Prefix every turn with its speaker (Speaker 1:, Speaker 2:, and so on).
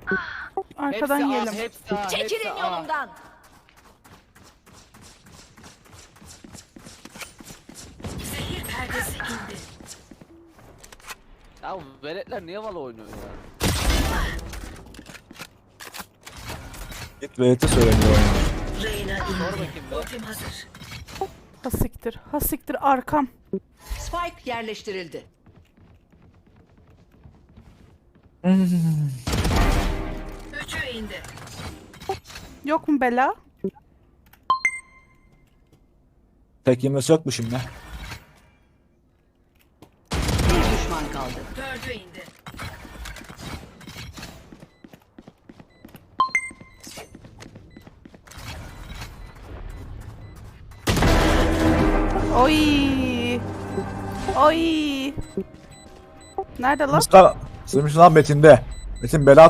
Speaker 1: Arkadan yiyelim.
Speaker 2: Hepsi A,
Speaker 3: Çekilin
Speaker 2: hepsi A.
Speaker 3: yolumdan. Zehir perdesi indi.
Speaker 2: Ya bu veletler niye Valo oynuyor ya?
Speaker 4: Git VT söyleniyor.
Speaker 3: Reyna
Speaker 2: Sor
Speaker 3: indi.
Speaker 2: bakayım be.
Speaker 3: Ultim hazır.
Speaker 1: Hasiktir. Hasiktir arkam.
Speaker 3: Spike yerleştirildi. Üçü indi.
Speaker 1: Yok mu bela?
Speaker 4: Tek yemesi yok mu şimdi?
Speaker 3: Bir düşman kaldı. Dördü indi.
Speaker 1: Oy. Oy. Nerede lan?
Speaker 4: Mustafa, sığmış lan Metin'de. Metin bela